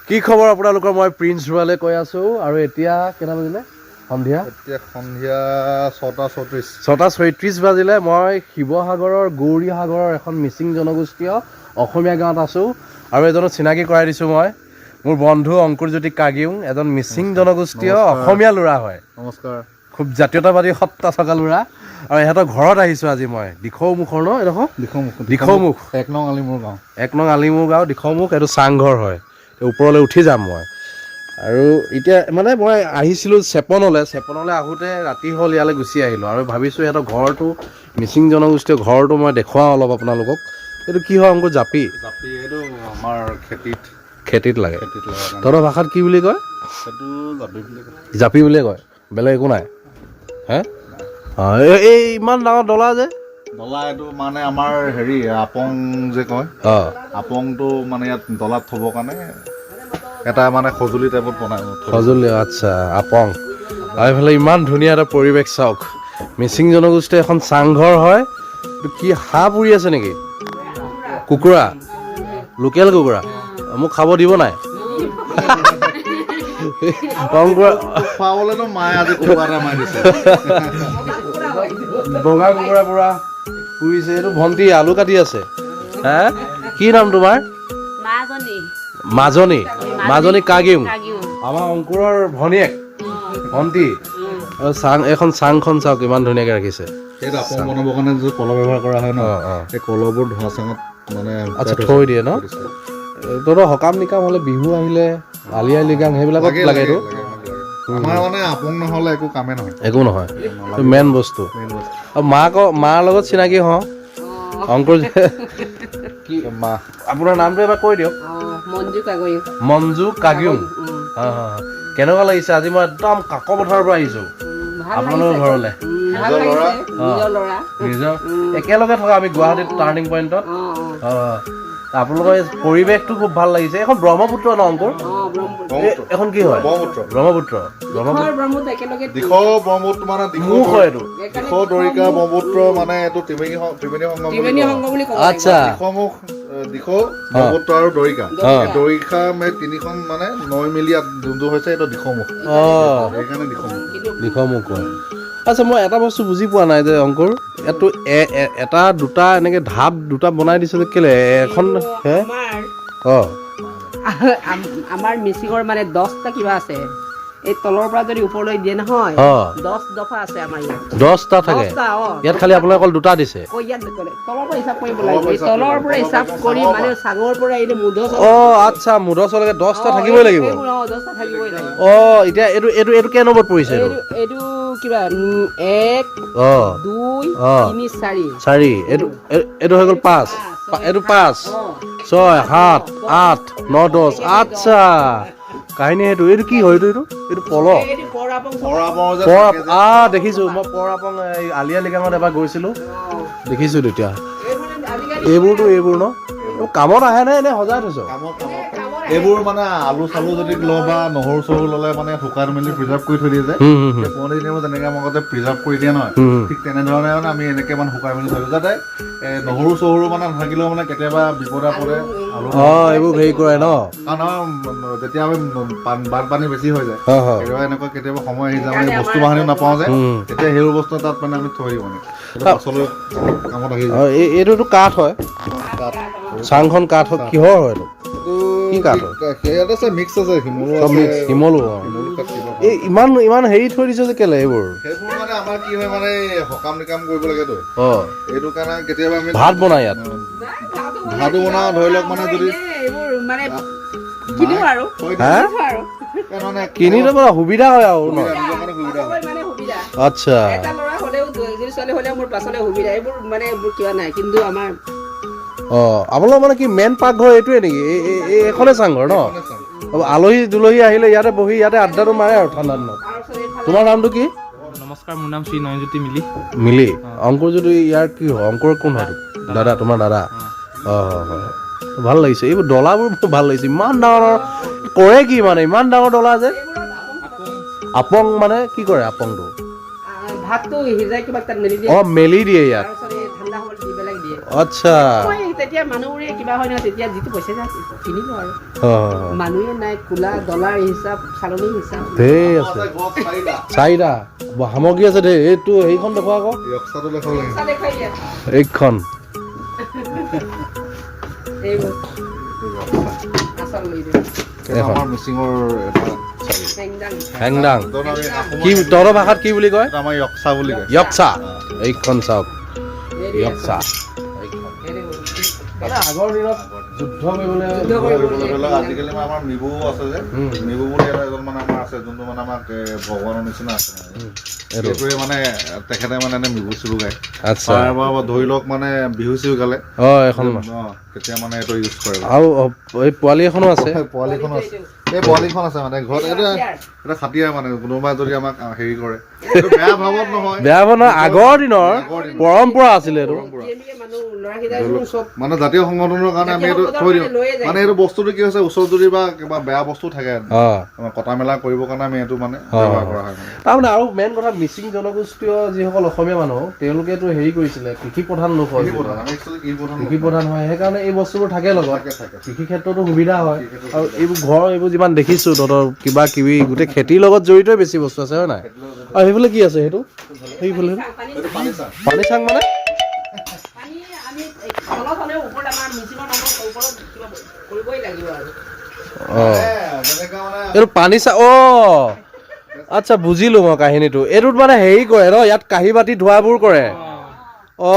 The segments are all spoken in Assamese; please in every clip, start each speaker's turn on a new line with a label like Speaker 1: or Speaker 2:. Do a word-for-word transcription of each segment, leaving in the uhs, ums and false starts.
Speaker 1: কি খবৰ আপোনালোকৰ? মই প্ৰিন্স ৰুৱালে কৈ আছো আৰু এতিয়া কেইটা বাজিলে? সন্ধিয়া
Speaker 2: এতিয়া সন্ধিয়া ছটা ছয়ত্ৰিছ
Speaker 1: ছটা ছয়ত্ৰিছ বাজিলে। মই শিৱসাগৰৰ গৌৰী সাগৰৰ এখন মিচিং জনগোষ্ঠীয় অসমীয়া গাঁৱত আছোঁ আৰু এজনক চিনাকি কৰাই দিছোঁ। মই মোৰ বন্ধু অংকুৰজ্যোতি কাগিউং, এজন মিচিং জনগোষ্ঠীয় অসমীয়া ল'ৰা হয়।
Speaker 2: নমস্কাৰ।
Speaker 1: খুব জাতীয়তাবাদী সত্তা থকা ল'ৰা আৰু ইহঁতৰ ঘৰত আহিছোঁ আজি মই। দিখৌমুখৰ ন এডোখৰ
Speaker 2: দিখৌমুখ
Speaker 1: দিখৌমুখ
Speaker 2: এক নং আলিমূৰ গাঁও
Speaker 1: এক নং আলিমূৰ গাঁও দিখৌমুখ। এইটো চাংঘৰ হয়। ওপৰলৈ উঠি যাম মই। আৰু এতিয়া মানে মই আহিছিলোঁ চেপনলৈ চেপনলৈ আহোঁতে ৰাতি হ'ল, ইয়ালৈ গুচি আহিলোঁ আৰু ভাবিছোঁ সিহঁতৰ ঘৰটো মিচিং জনগোষ্ঠীয় ঘৰটো মই দেখুৱাওঁ অলপ আপোনালোকক। এইটো কি হয় অংকুৰ? জাপি
Speaker 2: জাপি এইটো আমাৰ খেতিত
Speaker 1: খেতিত লাগে।
Speaker 2: খেতিত লগা
Speaker 1: তহঁতৰ ভাষাত কি বুলি কয়?
Speaker 2: সেইটো জাপি বুলি কয়।
Speaker 1: জাপি বুলিয়ে কয়, বেলেগ একো নাই হে? অঁ, এই ইমান ডাঙৰ ডলা যে
Speaker 2: ডলা এইটো মানে আমাৰ হেৰি আপং যে কয়,
Speaker 1: অঁ
Speaker 2: আপংটো মানে ইয়াত ডলাত থ'বৰ কাৰণে এটা মানে সঁজুলি টাইপত বনাই।
Speaker 1: সঁজুলি, আচ্ছা, আপং। আৰু এইফালে ইমান ধুনীয়া এটা পৰিৱেশ চাওক। মিচিং জনগোষ্ঠীৰ এখন চাংঘৰ হয়। এইটো কি হাঁহ পুৰি আছে নেকি? কুকুৰা, লোকেল কুকুৰা। মোক খাব দিব নাই?
Speaker 2: খুৱাবলৈতো মায়ে আজি কুকুৰা এটা মাৰি দিছে।
Speaker 1: বগা কুকুৰা পুৰা পুৰিছে। এইটো ভণ্টি আলু কাটি আছে। হে, কি নাম তোমাৰ?
Speaker 3: মাজনী
Speaker 1: মাজনী মাজনী কাগিউং, আমাৰ অংকুৰৰ ভনীয়েক ভণ্টি। আৰু চাং, এখন চাংখন চাওক ইমান ধুনীয়াকৈ ৰাখিছে।
Speaker 2: সেইটো আপং বনাবৰ কাৰণে যে কলহ ব্যৱহাৰ কৰা হয় ন,
Speaker 1: অঁ অঁ
Speaker 2: সেই কলহবোৰ ধোঁৱা চাঙত মানে
Speaker 1: আচ্ছা থৈ দিয়ে ন? তহঁতৰ সকাম নিকাম হ'লে, বিহু আহিলে, আলি আই লৃগাং সেইবিলাকত লাগে এইটো।
Speaker 2: আমাৰ মানে আপং নহ'লে একো কামেই নহয়।
Speaker 1: একো নহয়, মেইন বস্তু।
Speaker 2: মেইন বস্তু
Speaker 1: আৰু মাক মাৰ লগত চিনাকি হওঁ অংকুৰ যে। কি
Speaker 2: মা
Speaker 1: আপোনাৰ নামটো এবাৰ কৈ দিয়ক।
Speaker 3: মঞ্জু কাগৈ
Speaker 1: মঞ্জু কাগিউং। হয় হয় হয়। কেনেকুৱা লাগিছে? আজি মই একদম কাক পথাৰৰ পৰা আহিছোঁ আপোনালোকৰ ঘৰলৈ।
Speaker 3: ভাল লাগিছে, নিজৰ ল'ৰা।
Speaker 1: নিজৰ একেলগে থকা আমি গুৱাহাটীত টাৰ্ণিং পইণ্টত। অঁ, আপোনালোকৰ এই পৰিৱেশটো খুব ভাল লাগিছে। এখন ব্ৰহ্মপুত্ৰ ন অংকুৰ? এখন কি হয়?
Speaker 2: ব্ৰহ্মপুত্ৰ।
Speaker 1: ব্ৰহ্মপুত্ৰ
Speaker 3: ব্ৰহ্মপুত্ৰ একেলগে
Speaker 2: দিখৌ ব্ৰহ্মপুত্ৰ মানে
Speaker 1: মুখ হয় এইটো।
Speaker 2: দিখৌ দৰিকা ব্ৰহ্মপুত্ৰ মানে এইটো ত্ৰিবেণী সং- ত্ৰিবেণী সংগম বুলি
Speaker 3: ত্ৰিবেণী
Speaker 2: কয়।
Speaker 3: সংঘ বুলি ক'ব
Speaker 1: আচ্ছা।
Speaker 2: দিখৌমুখ, দিখৌ, ব্ৰহ্মপুত্ৰ আৰু দৰিকা।
Speaker 1: অঁ।
Speaker 2: দৰিকা মানে তিনিখন মানে নৈ মিলি ইয়াত যোনটো হৈছে এইটো দিখৌমুখ।
Speaker 1: অঁ,
Speaker 2: সেইকাৰণে দিখৌমুখ।
Speaker 1: দিখৌমুখ কয়। আচ্ছা, মই এটা বস্তু বুজি পোৱা নাই যে অংকুৰ, ইয়াতো এ- এ- এটা দুটা এনেকৈ ঢাপ দুটা বনাই দিছে যে কেলে? এখন হে
Speaker 3: আমাৰ
Speaker 1: অঁ
Speaker 3: আমাৰ মিচিঙৰ মানে দহটা কিবা আছে। এই তলৰ পৰা যদি ওপৰলৈ দিয়ে নহয়,
Speaker 1: অঁ
Speaker 3: দহ দফা আছে আমাৰ ইয়াত।
Speaker 1: দহটা থাকে
Speaker 3: দহটা, অঁ।
Speaker 1: ইয়াত, খালি আপোনালোকে অকল দুটা দিছে।
Speaker 3: কৈ ইয়াত ক'লে তলৰ পৰা হিচাপ কৰিব লাগিব। এই তলৰ পৰা হিচাপ কৰি মানে চাঙৰ পৰা এই মুধ
Speaker 1: অঁ আচ্ছা, মুধচলৈকে দহটা থাকিবই লাগিব।
Speaker 3: দহটা থাকিবই লাগিব।
Speaker 1: অঁ, এতিয়া এইটো এইটো এইটো কেই নম্বৰত পৰিছে এইটো?
Speaker 3: এইটো এইটো কিবা উম, এক
Speaker 1: অঁ
Speaker 3: দুই
Speaker 1: অঁ
Speaker 3: তিনি চাৰি
Speaker 1: চাৰি, এইটো এই- এইটো হৈ গ'ল পাঁচ, পা- এইটো পাঁচ, ছয়, সাত, আঠ, ন, দহ। আচ্ছা, কাহিনী সেইটো। এইটো কি হয়? এইটো এইটো এইটো পল
Speaker 3: এইটো পৰাপং
Speaker 2: পৰাপৰ যে
Speaker 1: পৰ
Speaker 2: থাকে যে।
Speaker 1: আ দেখিছোঁ মই। পৰাপং এই আলি আই লৃগাঙত এবাৰ গৈছিলোঁ, দেখিছোঁ তেতিয়া। এইবোৰতো এইবোৰ ন, এইবোৰ কামত আহে নে এনে সজাই থৈছ?
Speaker 2: কামত কামত এইবোৰ মানে আলু চালু যদি লওঁ বা নহৰু চহৰু ল'লে মানে শুকান মেলি প্ৰিজাৰ্ভ কৰি থৈ দিয়ে যে।
Speaker 1: হুম হুম হুম
Speaker 2: সেই পুৰণি দিনৰ যেনেকৈ আমাৰ আগতে প্ৰিজাৰ্ভ কৰি দিয়ে নহয়,
Speaker 1: হুম হুম।
Speaker 2: ঠিক তেনেধৰণে মানে আমি এনেকৈ মানে শুকাই মেলি থৈ দিওঁ যাতে এই নহৰু চহৰু মানে নাথাকিলেও মানে কেতিয়াবা বিপদ আপদে আলু
Speaker 1: অঁ, এইবোৰ হেৰি কৰে ন?
Speaker 2: কাৰণ আমাৰ যেতিয়া আমি পান- বানপানী বেছি হৈ যায়,
Speaker 1: হয় হয়।
Speaker 2: কেতিয়াবা এনেকুৱা কেতিয়াবা সময় আহি যায় মানে বস্তু বাহানিও নাপাওঁ যে,
Speaker 1: হুম।
Speaker 2: তেতিয়া সেইবোৰ বস্তু তাত মানে আমি থৈ দিওঁ মানে সেইটো পাছলৈ কামত আহি যায়।
Speaker 1: অঁ, এই এইটোতো কাঠ হয়। চাংখন কাঠ হয়। কিহৰ হয় এইটো? কি কাঠ হয়?
Speaker 2: ইয়াত আছে মিক্স আছে, শিমলু
Speaker 1: চব
Speaker 2: আছে,
Speaker 1: মিক্স, শিমলু। অঁ,
Speaker 2: শিমলু কাঠ কিবা
Speaker 1: এই ইমান ইমান হেৰি থৈ দিছে যে কেলে এইবোৰ?
Speaker 2: সেইবোৰ মানে আমাৰ কি হয় মানে এই সকাম নিকাম কৰিব লাগেতো,
Speaker 1: অঁ,
Speaker 2: এইটো কাৰণে কেতিয়াবা আমি
Speaker 1: ভাত বনাই ইয়াত।
Speaker 2: ভাতো বনাওঁ ধৰি লওক মানে যদি
Speaker 3: এইবোৰ মানে কিনো আৰু
Speaker 2: থৈ
Speaker 1: হা?
Speaker 2: দিওঁ,
Speaker 3: আৰু
Speaker 2: এই মানে
Speaker 1: কিনি ল'ব সুবিধা হয় আৰু ন?
Speaker 2: সুবিধা, নিজৰ কাৰণে সুবিধা হয়।
Speaker 3: মানে সুবিধা।
Speaker 1: আচ্ছা।
Speaker 3: এটা ল'ৰা হ'লেও এজনী ছোৱালী হ'লেও মোৰ পাছলৈ সুবিধা। এইবোৰ মানে এইবোৰ কিবা নাই, কিন্তু আমাৰ
Speaker 1: অঁ, আপোনালোকৰ মানে কি মেইন পাকঘৰ এইটোৱে নেকি? এই এই- এই এইখনে চাংঘৰ ন?
Speaker 2: মানে চাওঁ।
Speaker 1: আৰু আলহী দুলহী আহিলে ইয়াতে বহি ইয়াতে আড্ডাটো মাৰে আৰু ঠাণ্ডা দিনত। তোমাৰ নামটো কি?
Speaker 4: নমস্কাৰ, মোৰ নাম শ্ৰী নয়নজ্যোতি মিলি।
Speaker 1: মিলি। অংকুৰ যদি ইয়াৰ কি হয়? অংকুৰ কোন হয়? দাদা, তোমাৰ দাদা? অঁ হয় হয়। ভাল লাগিছে এইবোৰ ডলাবোৰ, মোৰ ভাল লাগিছে। ইমান ডাঙৰ ডাঙৰ কৰে কি মানে? ইমান ডাঙৰ ডলা যে আপং মানে কি কৰে আপংটো?
Speaker 3: ভাতটো সিজাই কিবা তাত মেলি দিয়ে।
Speaker 1: অঁ, মেলি দিয়ে ইয়াত।
Speaker 3: তাৰপিছত এই ঠাণ্ডা হ'বলৈ দি পেলাই দিয়ে।
Speaker 1: আচ্ছা।
Speaker 3: মই যেতিয়া মানুহবোৰে কিবা হয় নহয় তেতিয়া যিটো পইচা যায় কিনিব আৰু
Speaker 1: অ',
Speaker 3: মানুহে নাই কোলা ডলাৰ হিচাপ চালনী হিচাপ
Speaker 1: ধেৰ আছে
Speaker 2: গছ চাৰিটা
Speaker 1: চাৰিটা ব- সামগ্ৰী আছে দেই এইটো এইখন দেখুৱা আকৌ
Speaker 2: য়ক্সাটো দেখাব লাগিব
Speaker 3: চাহ দেখুৱাই দিয়া
Speaker 1: এইখন
Speaker 3: এইবোৰ আচল লৈ দিওঁ
Speaker 2: এইটো আমাৰ মিচিঙৰ এটা চাৰি
Speaker 3: চেংদাং
Speaker 1: হেংদাং
Speaker 2: য'ত আমি আহোমৰ-
Speaker 1: কি তহঁতৰ ভাষাত কি বুলি কয়
Speaker 2: এইটো আমাৰ য়ক্সা বুলি কয়
Speaker 1: য়ক্সা এইখন চাওক
Speaker 3: হেৰি
Speaker 1: য়ক্সা
Speaker 3: হেৰি
Speaker 1: মানে আগৰ দিনত যুদ্ধ কৰিবলৈ
Speaker 3: যুদ্ধ কৰিবলৈ
Speaker 2: ধৰি লওক আজিকালি মানে আমাৰ মিবু আছে যে
Speaker 1: উম।
Speaker 2: মিবু বুলি এটা এজন মানে আমাৰ আছে যোনটো মানে আমাক এ, ভগৱানৰ নিচিনা আছে মানে।
Speaker 1: এইটো
Speaker 2: সেইটোৱে মানে তেখেতে মানে এনে মিবু চিবু গায়
Speaker 1: আচ্ছা
Speaker 2: তাৰ পৰা ধৰি লওক মানে বিহু চিহু গালে
Speaker 1: অ এখন
Speaker 2: অ, তেতিয়া মানে এইটো ইউজ কৰে
Speaker 1: আৰু অ, এই পোৱালি এখনো আছে
Speaker 2: পোৱালিখন আছে এই পোৱালিখন আছে মানে ঘৰত এইটো এটা খাটিয়াৰ মানে কোনোবাই যদি আমাক আ, হেৰি কৰে এইটো বেয়া ভাৱত নহয়
Speaker 1: বেয়া হ'ব নহয় আগৰ দিনৰ
Speaker 2: আগৰ দিনৰ।
Speaker 1: পৰম্পৰা আছিলে এইটো
Speaker 3: এনেকে মানুহ ল'ৰাকেইটাই চব
Speaker 2: মানে জাতীয় সংগঠনৰ কাৰণে আমি এইটো থৈ দিওঁ মানে এইটো বস্তুটো কি হৈছে ওচৰত যদি বা কিবা বেয়া বস্তু থাকে
Speaker 1: অ
Speaker 2: আমাৰ কটা মেলা কৰিবৰ কাৰণে আমি এইটো মানে
Speaker 1: অ।
Speaker 2: ব্যৱহাৰ কৰা হয় মানে
Speaker 1: তাৰমানে আৰু মেইন কথা মিচিং জনগোষ্ঠীয় যিসকল অসমীয়া মানুহ তেওঁলোকেতো হেৰি কৰিছিলে কৃষি প্ৰধান লোক হয়
Speaker 2: কৃষি প্ৰধান আমি actually কৃষি প্ৰধান
Speaker 1: কৃষি প্ৰধান হয় সেইকাৰণে এই বস্তুবোৰ থাকে লগত
Speaker 2: থাকে, থাকে।
Speaker 1: কৃষি ক্ষেত্ৰতো সুবিধা হয় আৰু এইবোৰ ঘৰ এইবোৰ যিমান দেখিছো তহঁতৰ কিবা কিবি গোটেই খেতিৰ লগত জড়িতই বেছি বস্তু আছে হয় নাই আৰু সেইফালে কি আছে সেইটো সেইফালে
Speaker 2: এইটো পানী চাহ
Speaker 1: পানী চাং মানে
Speaker 3: পানী আমি তলত হ'লেও ওপৰত আমাৰ মিচিঙৰ মানুহৰ ওপৰত কিবা কৰিবই লাগিব আৰু
Speaker 1: অ
Speaker 2: যেনেকা মানে
Speaker 1: এইটো পানী চা অ আচ্ছা বুজিলো মই কাহিনীটো এইটোত মানে হেৰি কৰে ন ইয়াত কাঁহী বাতি ধোৱাবোৰ কৰে অ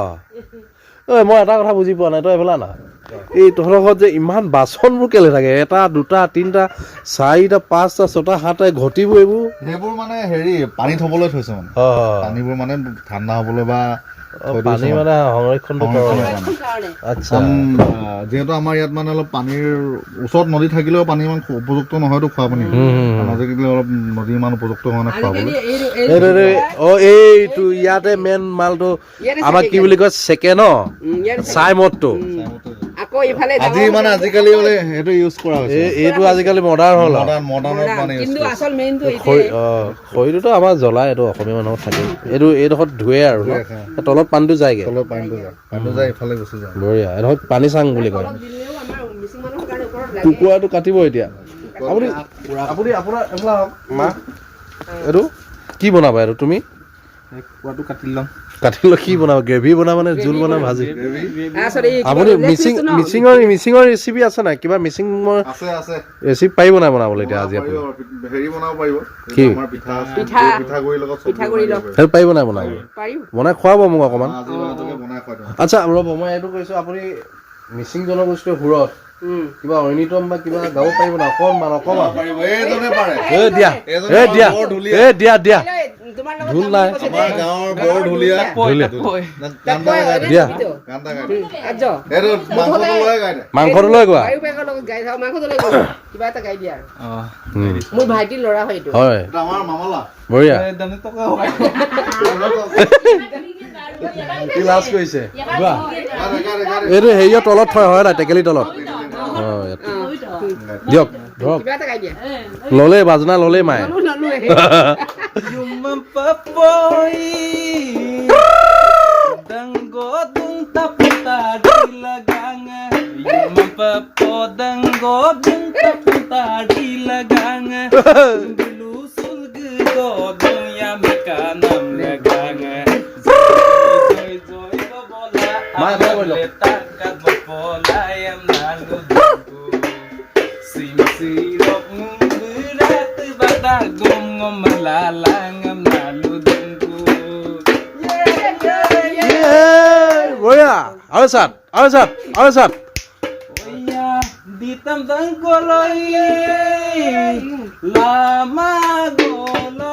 Speaker 1: ঐ মই এটা কথা বুজি পোৱা নাই তই এইফালে না এই তহঁতৰ ঘৰত যে ইমান বাচনবোৰ কেলে থাকে এটা দুটা তিনিটা চাৰিটা পাঁচটা ছটা সাতটা ঘটিবোৰ এইবোৰ
Speaker 2: সেইবোৰ মানে হেৰি পানী থবলৈ থৈছে মানে
Speaker 1: অ
Speaker 2: পানীবোৰ মানে ঠাণ্ডা হ'বলৈ বা
Speaker 1: অ, পানী মানে সংৰক্ষণটো কৰে
Speaker 3: সংৰক্ষণ কাৰণে
Speaker 1: আচ্ছা
Speaker 2: কাৰণ, আহ, যিহেতু আমাৰ ইয়াত মানে অলপ পানীৰ ওচৰত নদী থাকিলেও পানী ইমান উপযুক্ত নহয়তো খোৱা পানী
Speaker 1: হুম, হুম, হুম।
Speaker 2: কাৰণ আজিকালি অলপ নদী ইমান উপযুক্ত হোৱা নাই
Speaker 3: আজিকালি
Speaker 2: খোৱাবলৈ
Speaker 3: এইটো
Speaker 1: এইটো
Speaker 3: এইটো
Speaker 1: এইটো- অ এইটো ইয়াতে মেইন মালটো
Speaker 3: ইয়াতে
Speaker 1: আমাক
Speaker 3: থাকে
Speaker 1: কি বুলি কয় চেকে ন
Speaker 3: উম, ইয়াত
Speaker 1: চাই মদটো
Speaker 3: আকৌ ইফালে
Speaker 2: আজি
Speaker 3: ডাঙৰ
Speaker 2: মানে আজিকালি বোলে সেইটো ইউজ কৰা হৈছে
Speaker 1: এই এইটো আজিকালি মডাৰ্ণ হ'ল আৰু
Speaker 2: মডাৰ্ণ মডাৰ্ণত মানে ইউজ
Speaker 3: কিন্তু আচল মেইনটো
Speaker 1: খৰি
Speaker 3: এইটোৱে
Speaker 1: অ খৰিটোতো আমাৰ জ্বলাই এইটো অসমীয়া মানুহৰ থাকে এইটো এইডোখৰত ধুৱে আৰু ন
Speaker 2: ধুৱে,
Speaker 1: তলত পানীটো যায়গে
Speaker 2: তলত পানীটো যায় পানীটো যায় ইফালে গুচি যায়
Speaker 1: বঢ়িয়া এইডোখৰত পানী চাং বুলি কয়
Speaker 3: তলত দিলেও আমাৰ মিচিং মানুহৰ কাৰণে ওপৰত লাগে
Speaker 1: কুকুৰাটো কাটিব এতিয়া আপুনি আপুনি আপোনাৰ এইফালে আহক মা এইটো কি বনাবা এইটো তুমি
Speaker 4: কুকুৰাটো কাটি ল'ম
Speaker 1: কাটিলৈ কি বনাবা গ্ৰেভি বনাবা নে জোল বনাবা ভাজি
Speaker 3: আচলতে এই কিবা
Speaker 1: আপুনি
Speaker 3: leg
Speaker 1: মিচিং
Speaker 3: piece টো ন?
Speaker 1: মিচিঙৰ মিচিঙৰ ৰেচিপি আছে নাই কিবা মিচিঙৰ
Speaker 2: আছে আছে
Speaker 1: ৰেচিপি পাৰিব নাই বনাবলৈ এতিয়া আজি আপুনি
Speaker 2: পাৰিব, হেৰি বনাব পাৰিব
Speaker 1: কি?
Speaker 2: আমাৰ পিঠা
Speaker 3: পিঠা।
Speaker 2: পিঠাগুড়িৰ লগত চব্জি
Speaker 3: পিঠাগুড়িৰ
Speaker 2: বনাই
Speaker 3: লগত।
Speaker 2: দিব
Speaker 1: সেইটো পাৰিব নাই বনাবলৈ
Speaker 3: পাৰিব
Speaker 1: বনাই খুৱাব মোক অকণমান
Speaker 2: আজি মানে বনাই খুৱাই দিওঁ
Speaker 1: আচ্ছা ৰ'ব মই এইটো কৈছোঁ আপুনি মিচিং জনগোষ্ঠীৰ সুৰত
Speaker 3: উম
Speaker 1: কিবা ঐনিতম বা কিবা গাব পাৰিব না অকণমান অকণমান
Speaker 2: পাৰিব এইজনে পাৰে
Speaker 1: এ দিয়া
Speaker 2: এইজনে
Speaker 1: এ দিয়া
Speaker 2: বৰ ধুলীয়া।
Speaker 1: এ দিয়া দিয়া
Speaker 3: তোমাৰ লগত
Speaker 1: ঢোল
Speaker 3: যাম
Speaker 1: নাই।
Speaker 3: বুলি কৈছে
Speaker 2: আমাৰ
Speaker 3: দে।
Speaker 2: গাঁৱৰ বৰ ঢুলীয়া
Speaker 1: ধুলীয়া
Speaker 2: গান এটা গাই দে।
Speaker 1: দিয়া।
Speaker 2: গান এটা গাই দে।
Speaker 3: আজ
Speaker 2: এইটো মাংসটো লৈ গাই দে
Speaker 1: মাংসটো লৈ গোৱা
Speaker 3: বায়ু বেগৰ লগত গাই থাক মাংসটো লৈ গ'ল কিবা এটা গাই দিয়া আৰু
Speaker 4: অঁ
Speaker 1: উম,
Speaker 3: মোৰ ভাইটিৰ ল'ৰা হয় এইটো
Speaker 1: হয়
Speaker 2: এইটো আমাৰ মামলা
Speaker 1: বঢ়িয়া
Speaker 4: দানে টকা হয়
Speaker 1: কি লাজ কৰিছে গোৱা
Speaker 2: গাই দে, গাই দে, গাই দে।
Speaker 1: এইটো হেৰিয়ৰ তলত থয় হয় নাই টেকেলি তলত অঁ ইয়াত দিয়ক ধৰক
Speaker 3: কিবা এটা গাই দিয়া
Speaker 1: ল'লেই বাজনা ল'লেই মায়ে
Speaker 3: ললো ললো
Speaker 4: Yuma papoy Danggo dung taputa dilaganga Yuma papo danggo dung taputa dilaganga Dilusul gedo dung yamikanam laganga Joy joy babola
Speaker 1: Maya, kaya boleh.
Speaker 4: Letakkan babola yang lalu dungku Sim sirok ngumberat batagum ngom melalangam lalu dungku
Speaker 1: বঢ়িয়া আৰু চাত আৰু চাত আৰু চাত
Speaker 4: Oh ya di tentang koloi lama gola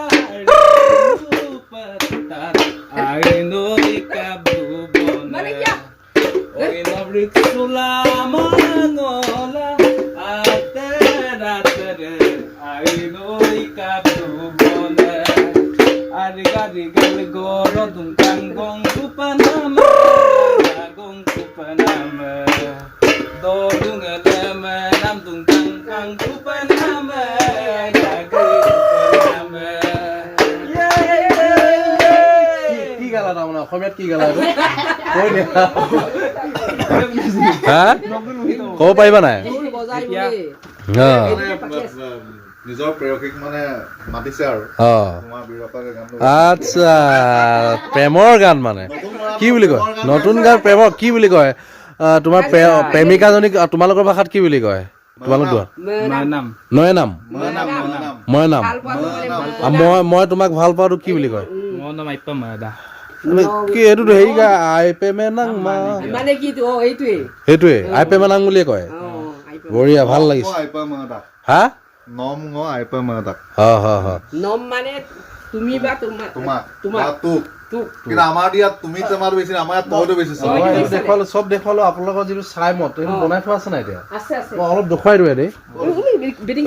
Speaker 4: petat aino ikabu bona Oi nabrik sulama ngola ater ater aino ikabu bona Arigal goro dung kanggong kupanama Gong kupanama Do dung eleme nam dung kangkang kupanama Gagi kupanama
Speaker 1: কি গালা তাৰমানে অসমীয়াত কি গালা এইটো কৈ দিয়া হা ক'ব পাৰিবা নাই
Speaker 3: ঢোল বজাই
Speaker 4: এতিয়া-
Speaker 3: বুলি
Speaker 1: অঁ
Speaker 2: মানে নিজৰ প্ৰেয়সীক মানে মাতিছে আৰু
Speaker 1: অঁ
Speaker 2: তোমাৰ বীৰপাৰ গানটো
Speaker 1: আচ্ছা প্ৰেমৰ গান মানে কি বুলি কয় নতুন গান প্ৰেমৰ কি বুলি কয় আহ, তোমাৰ প্ৰে- প্ৰেমিকাজনীক তোমালোকৰ ভাষাত কি বুলি কয় তোমালোক কোৱা
Speaker 4: নাম
Speaker 1: নয়ে নাম
Speaker 2: মৰা নাম মৰা নাম
Speaker 1: মই নাম
Speaker 3: ভাল পোৱাটো মানে
Speaker 1: আৰু মই মই তোমাক ভাল পাওঁটো কি বুলি কয়
Speaker 4: মোৰ নাম আইপ্পা মাদা
Speaker 1: মানে কি এইটোতো হেৰি গা আই প্ৰেমে নাং মা
Speaker 3: মানে কি অ এইটোৱে
Speaker 1: সেইটোৱে আই প্ৰেমে নাং বুলিয়ে কয়
Speaker 3: অ আইপা
Speaker 1: বঢ়িয়া ভাল লাগিছে
Speaker 2: আইপা মাতা
Speaker 1: হা
Speaker 2: নম ঙ আইপা মাতা
Speaker 1: হ হ হ
Speaker 3: নম মানে তুমি বা তোমাক
Speaker 2: তোমাক
Speaker 3: তোমাক
Speaker 2: বা তোক
Speaker 3: তোক
Speaker 2: কিন্তু আমাৰ ইয়াত তুমি তোমাৰটো বেছি আমাৰ ইয়াত তইতো বেছি
Speaker 3: তই-
Speaker 1: মই এইটো দেখুৱালো চব দেখুৱালো আপোনালোকৰ যিটো চাই মত এইটো বনাই থোৱা আছে নাই এতিয়া
Speaker 3: আছে আছে
Speaker 1: মই অলপ দেখুৱাই দিওঁ দেই
Speaker 3: বেডিং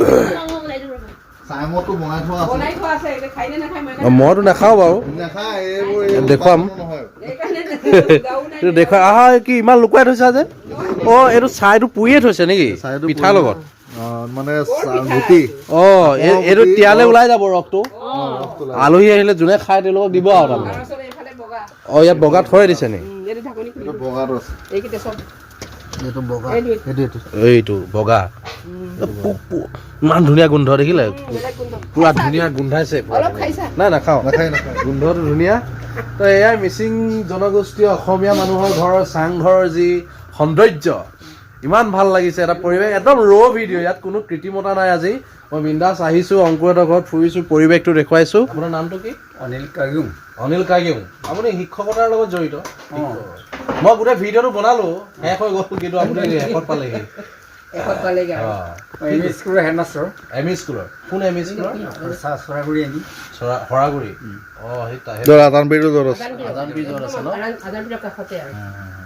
Speaker 2: চাইমতো বনাই থোৱা আছে
Speaker 3: বনাই থোৱা আছে এতিয়া খাই নে নাখায় মই
Speaker 1: অ, মইতো নাখাওঁ বাৰু
Speaker 2: নাখায় এইবোৰ এই
Speaker 1: দেখুৱাম।
Speaker 2: নহয়
Speaker 3: সেইকাৰণে গাও নাই
Speaker 1: এইটো দেখুৱাই আহা কি ইমান লুকুৱাই থৈছা যে অ এইটো চাইটো পুৰিয়ে থৈছে নেকি
Speaker 2: চাইটো
Speaker 1: পিঠাৰ
Speaker 2: পুৰি-
Speaker 1: লগত
Speaker 2: অ, মানে চা- গুটি
Speaker 1: অ এই- এইটো তিয়ালে ওলাই যাব ৰসটো আলহী আহিলে যোনে খাই তেওঁলোকক দিব আৰু তাৰমানে
Speaker 3: তাৰপিছত এইফালে বগা
Speaker 1: অ ইয়াত বগা থৈ দিছে নি
Speaker 3: উম, এইটো ঢাকনি খুলি
Speaker 2: এইটো বগাটো আছে
Speaker 3: এইকেইটা চব
Speaker 2: এইটো বগা
Speaker 3: এইটো
Speaker 1: এইটো বগা পু- পু- ইমান ধুনীয়া গোন্ধ দেখিলে
Speaker 3: বেলেগ গোন্ধ
Speaker 1: পুৰা ধুনীয়া গোন্ধাইছে পুৰা
Speaker 3: অলপ
Speaker 1: ধুনীয়া।
Speaker 3: খাইছা
Speaker 1: নাই নাখাওঁ
Speaker 2: নাখায় নাখায়
Speaker 1: গোন্ধটো ধুনীয়া তো এয়াই মিচিং জনগোষ্ঠীয় অসমীয়া মানুহৰ ঘৰৰ চাংঘৰৰ যি সৌন্দৰ্য ইমান ভাল লাগিছে এটা পৰিৱেশ একদম ৰ' ভিডিঅ' ইয়াত কোনো কৃত্ৰিমতা নাই আজি মই বিন্দাছ আহিছোঁ অংকুৰহঁতৰ ঘৰত ফুৰিছোঁ পৰিৱেশটো দেখুৱাইছোঁ আপোনাৰ নামটো কি
Speaker 4: অনিল কাগুং
Speaker 1: অনিল কাগিং আপুনি শিক্ষকতাৰ লগত জড়িত মই গোটেই ভিডিঅ'টো বনালোঁ শেষ হৈ গ'ল কিন্তু আপুনি শেষত পালেহি
Speaker 3: এশত পালেগৈ আৰু
Speaker 1: অঁ
Speaker 4: এম ই স্কুলৰ হেডমাষ্টাৰ
Speaker 1: এম ই স্কুলৰ কোন এম ই স্কুলৰ
Speaker 4: চৰাগুৰি এম ই
Speaker 1: চৰা সৰাগুৰি অঁ সেই তা- সেই-
Speaker 2: আদানপীৰটো য'ত আছে
Speaker 1: আজান পীৰ য'ত আছে ন?
Speaker 3: আজান পীৰৰ কাষতে আৰু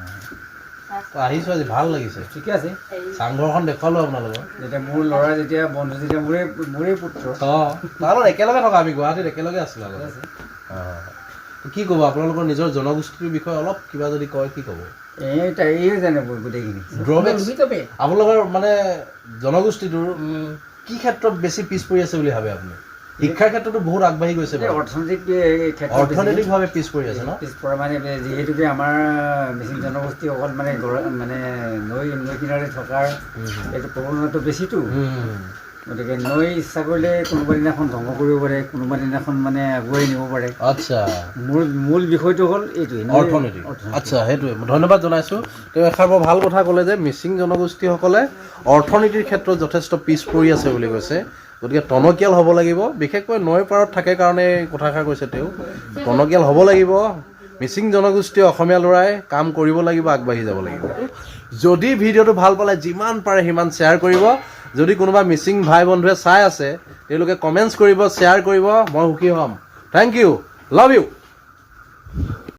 Speaker 1: তো আহিছোঁ আজি ভাল লাগিছে
Speaker 4: ঠিকে আছে
Speaker 1: চাংঘৰখন দেখুৱালোঁ আপোনালোকৰ
Speaker 4: যেতিয়া মোৰ ল'ৰা যেতিয়া বন্ধু যেতিয়া মোৰে মোৰে পুত্ৰ
Speaker 1: অঁ তাৰ লগত একেলগে থকা আমি গুৱাহাটীত একেলগে আছিলোঁ আগতে অঁ কি ক'ব আপোনালোকৰ নিজৰ জনগোষ্ঠীৰ বিষয়ে অলপ কিবা যদি কয় কি ক'ব
Speaker 4: এই তাই এই জানে গোটেইখিনি
Speaker 1: ড্ৰবেক্স
Speaker 3: ভিতৰতে
Speaker 1: আপোনালোকৰ মানে জনগোষ্ঠীটোৰ কি ক্ষেত্ৰত বেছি পিছ পৰি আছে বুলি ভাবে আপুনি শিক্ষাৰ ক্ষেত্ৰতো বহুত আগবাঢ়ি গৈছে
Speaker 4: এই
Speaker 1: বাৰু।
Speaker 4: অৰ্থনৈতিক ক্ষেত্ৰত
Speaker 1: অৰ্থনৈতিকভাৱে পিছ পৰি আছে ন
Speaker 4: পিছপৰা মানে যিহেতুকে আমাৰ মিচিং জনগোষ্ঠী অকল মানে গৰ- মানে নৈ নৈ কিনাৰে থকাৰ এইটো প্ৰৱণতাটো বেছিতো গতিকে নৈ ইচ্ছা কৰিলে কোনোবা দিনাখন ধ্বংস কৰিব পাৰে কোনোবা দিনাখন মানে আগুৱাই নিব পাৰে
Speaker 1: আচ্ছা
Speaker 4: মূল মূল বিষয়টো হ'ল এইটোৱে নৈ-
Speaker 1: অৰ্থনীতি আচ্ছা সেইটোৱে ধন্যবাদ জনাইছোঁ তেওঁ এষাৰ বৰ ভাল কথা ক'লে যে মিচিং জনগোষ্ঠীসকলে অৰ্থনীতিৰ ক্ষেত্ৰত যথেষ্ট পিছ পৰি আছে বুলি কৈছে গতিকে টনকিয়াল হ'ব লাগিব বিশেষকৈ নৈৰ পাৰত থাকে কাৰণে এই কথাষাৰ কৈছে তেওঁ টনকিয়াল হ'ব লাগিব মিচিং জনগোষ্ঠীয় অসমীয়া ল'ৰাই কাম কৰিব লাগিব আগবাঢ়ি যাব লাগিব যদি ভিডিঅ'টো ভাল পালে যিমান পাৰে সিমান শ্বেয়াৰ কৰিব যদি কোনোবা মিচিং ভাই বন্ধুৱে চাই আছে তেওঁলোকে কমেণ্টছ কৰিব শ্বেয়াৰ কৰিব মই সুখী হ'ম থেংক ইউ লাভ ইউ